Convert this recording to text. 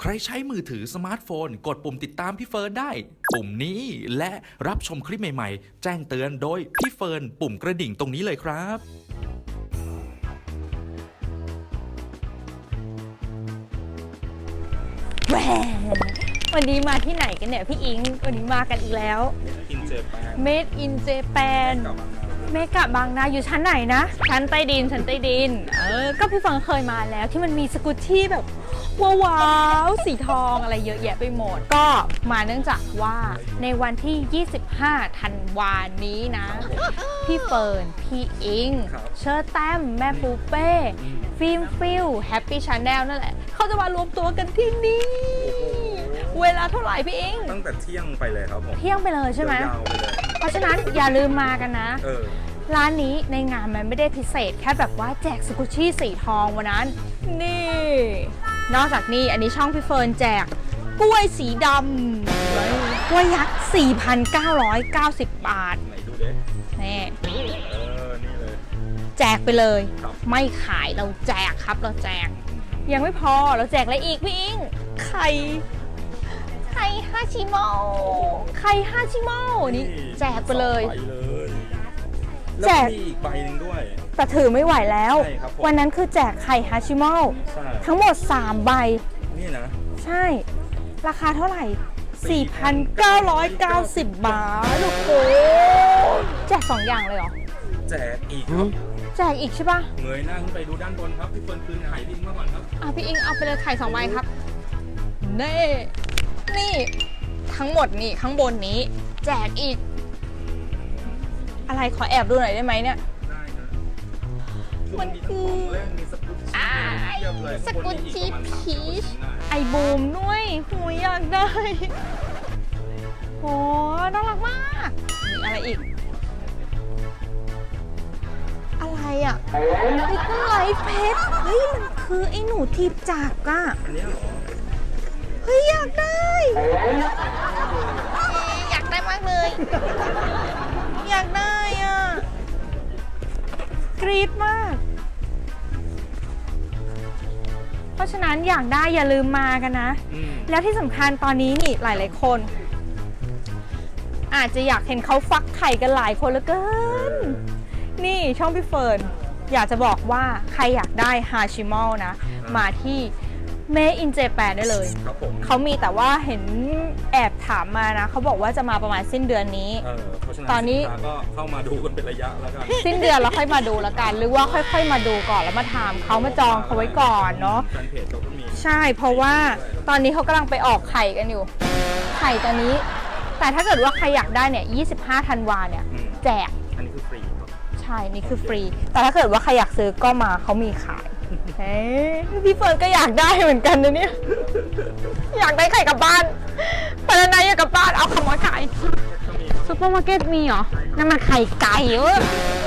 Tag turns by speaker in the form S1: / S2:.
S1: ใครใช้มือถือสมาร์ทโฟนกดปุ่มติดตามพี่เฟิร์นได้ปุ่มนี้และรับชมคลิปใหม่ๆแจ้งเตือนโดยพี่เฟิร์นปุ่มกระดิ่งตรงนี้เลยครับ
S2: แหววันนี้มาที่ไหนกันเนี่ยพี่อิงวันนี้มากันอีกแล้ว Made in Japan เมกะบางนาอยู่ชั้นไหนนะชั้นใต้ดินก็พี่ฟังเคยมาแล้วที่มันมีสกูตชี่แบบว้าวสีทองอะไรเยอะแยะไปหมดก็มาเนื่องจากว่าในวันที่ 25 ธันวานี้นะพี่เฟิร์นพี่อิงเชอร์แต้มแม่ปูเป้ฟิล์มฟิลแฮปปี้ชาแนลนั่นแหละเขาจะมารวมตัวกันที่นี่เวลาเท่าไหร่พี่อิง
S3: ตั้งแต่เที่ยงไปเลยครับผม
S2: เที่ยงไปเลยใช่ไหม
S3: ยาวไปเลย
S2: เพราะฉะนั้นอย่าลืมมากันนะร้านนี้ในงานมันไม่ได้พิเศษแค่แบบว่าแจกสกุชชี่สีทองวันนั้นนี่นอกจากนี้อันนี้ช่องพี่เฟิร์นแจกกล้วยสีดำกล้วยยักษ์ 4,990 บาท
S3: ไหนดูเด้
S2: นี่
S3: นี่เลย
S2: แจกไปเลยไม่ขายเราแจกครับเราแจกยังไม่พอเราแจกอะไรอีกพี่อิงไข่ฮาชิโมะนี่แจกไปเลย
S3: แจกมีอีกใบหนึ่งด้วย
S2: แต่ถือไม่ไหวแล้ววันนั้นคือแจกไข่ฮาชิโมะทั้งหมด3ใบ
S3: นี่นะ
S2: ใช่ราคาเท่าไหร่ 4,990 บาทโอ้โหแจก2อย่างเลยเหรอ
S3: แจกอีกครับ
S2: แจกอีกใช่ป่ะ
S3: เงยหน้าขึ้นไปดูด้านบนครับพี่เฟิร์นคืนไข่พี่อิงมาก่อนครับ
S2: พี่อิงเอาไปเลยไข่2ใบครับนี่ทั้งหมดนี่ข้างบนนี้แจกอีกอะไรขอแอบดูหน่อยได้ไหมเนี่ย
S3: ได้นะมันคือ
S2: สกุตชี่พีชไอบูมด้วยหูอยากได้โหน่ารักมากมีอะไรอีกอะไรอ่ะลิตเติ้ลไลฟ์เพชรเฮ้ยมันคือไอหนูทีบจักรอ่ะเฮ้ยอยากได้มากเลยอยากได้อ่ะกรี๊ดมากเพราะฉะนั้นอยากได้อย่าลืมมากันนะแล้วที่สำคัญตอนนี้นี่หลายๆคนอาจจะอยากเห็นเขาฟักไข่กันหลายคนเหลือเกินนี่ช่องพี่เฟิร์นอยากจะบอกว่าใครอยากได้ฮาชิมอลนะมาที่Made in Japan ได้เลยเขามีแต่ว่าเห็นแอบถามมานะเขาบอกว่าจะมาประมาณสิ้นเดือนนี้
S3: ตอนนี้ก็เข้ามาดูกันเป็นระยะแล้วกัน
S2: สิ้นเดือนแล้วค่อยมาดูแล้วกันหรือว่าค่อยๆมาดูก่อนแล้วมาถามเขามาจองเขาไว้ก่อนเนาะใช่เพราะว่าตอนนี้เขากำลังไปออกไข่กันอยู่ไข่ตอนนี้แต่ถ้าเกิดว่าใครอยากได้เนี่ย25 ธันวาเนี่ยแจก
S3: อันนี้คือฟรี
S2: ใช่นี่คือฟรีแต่ถ้าเกิดว่าใครอยากซื้อก็มาเขามีขายพี่เฟิร์นก็อยากได้เหมือนกันนะเนี่ยอยากได้ไข่กลับบ้านปานาอยากกลับบ้านเอาขโมยไข่ซุปเปอร์มาร์เก็ตมีเหรอนั่นมันไข่ไก่